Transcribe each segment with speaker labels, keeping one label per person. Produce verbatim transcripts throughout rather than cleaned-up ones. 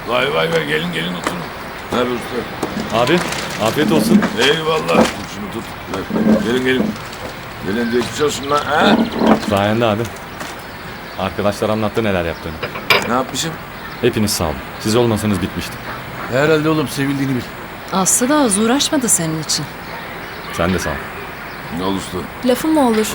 Speaker 1: Vay vay vay gelin gelin oturun. Ver usta.
Speaker 2: Abi afiyet olsun.
Speaker 1: Eyvallah. Tut şunu tut. Ver. Gelin gelin. Gelin geçmiş olsun lan. Ha?
Speaker 2: Sayende abi. Arkadaşlar anlattı neler yaptığını.
Speaker 1: Ne yapmışım?
Speaker 2: Hepiniz sağ olun. Siz olmasanız bitmişti.
Speaker 3: Herhalde oğlum sevildiğini bil.
Speaker 4: Aslı da az uğraşmadı senin için.
Speaker 2: Sen de sağ ol.
Speaker 1: Ne ol usta?
Speaker 4: Lafım mı olur?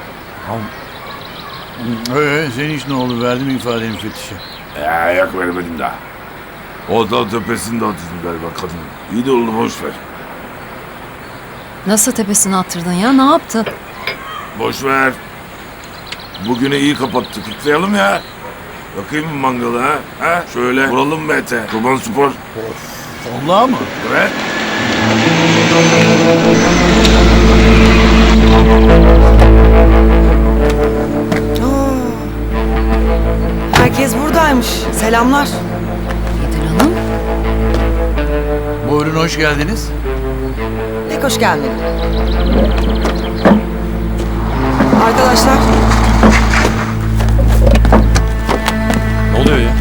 Speaker 3: Ee, senin iş ne oldu? Verdim ifadeni müfettişe.
Speaker 1: Ya ayak vermedim daha. O da tepesinde oturdum galiba kadın. İyi de oldu boş ver.
Speaker 4: Nasıl tepesine attırdın ya? Ne yaptın?
Speaker 1: Boş ver. Bugünü iyi kapattık. Kutlayalım ya. Bakayım mı mangalı ha? Ha? Şöyle vuralım mı ete? Çoban spor.
Speaker 3: Vallahi mı?
Speaker 1: Evet.
Speaker 5: Herkes buradaymış. Selamlar.
Speaker 4: İdil Hanım.
Speaker 3: Buyurun hoş geldiniz.
Speaker 5: Pek hoş gelmedin. Arkadaşlar,
Speaker 2: Ne oluyor ya?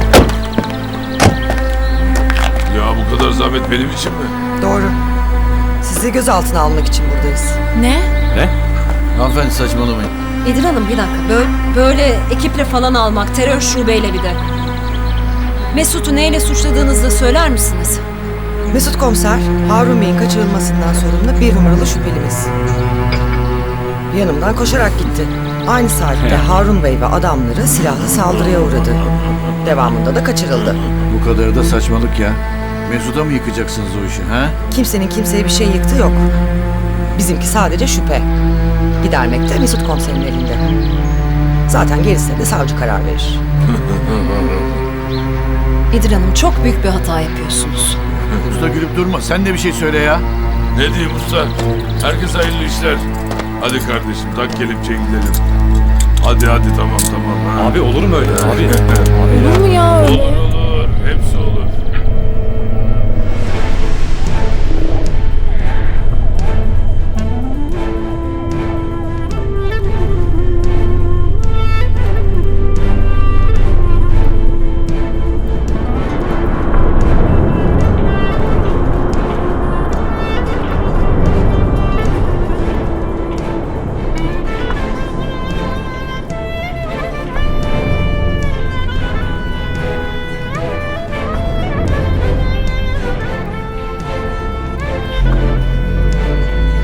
Speaker 1: Ya bu kadar zahmet benim için mi?
Speaker 5: doğru. Sizi gözaltına almak için buradayız.
Speaker 4: Ne?
Speaker 2: Ne?
Speaker 3: Hanımefendi saçmalamayın.
Speaker 4: İdil Hanım bir dakika. Böyle, böyle ekiple falan almak, terör şubeyle bir de. Mesut'u neyle suçladığınızı da söyler misiniz?
Speaker 5: Mesut Komiser, Harun Bey'in kaçırılmasından sorumlu bir numaralı şüphelimiz. Yanımdan koşarak gitti. Aynı saatte Harun Bey ve adamları silahlı saldırıya uğradı. Devamında da kaçırıldı.
Speaker 3: Bu kadarı da saçmalık ya. Mesut'a mı yıkacaksınız o işi ha?
Speaker 5: Kimsenin kimseye bir şey yıktı yok. Bizimki sadece şüphe. Gidermek de Mesut Komiser'in elinde. Zaten gerisine de savcı karar verir.
Speaker 4: İdil Hanım çok büyük bir hata yapıyorsunuz.
Speaker 3: Usta gülüp durma. Sen de bir şey söyle ya.
Speaker 1: Ne diyeyim usta? Herkes hayırlı işler. Hadi kardeşim tak kelepçeye gidelim. Hadi hadi tamam tamam. Ha.
Speaker 2: Abi olur mu öyle? Abi.
Speaker 4: Olur mu ya?
Speaker 1: Olur olur.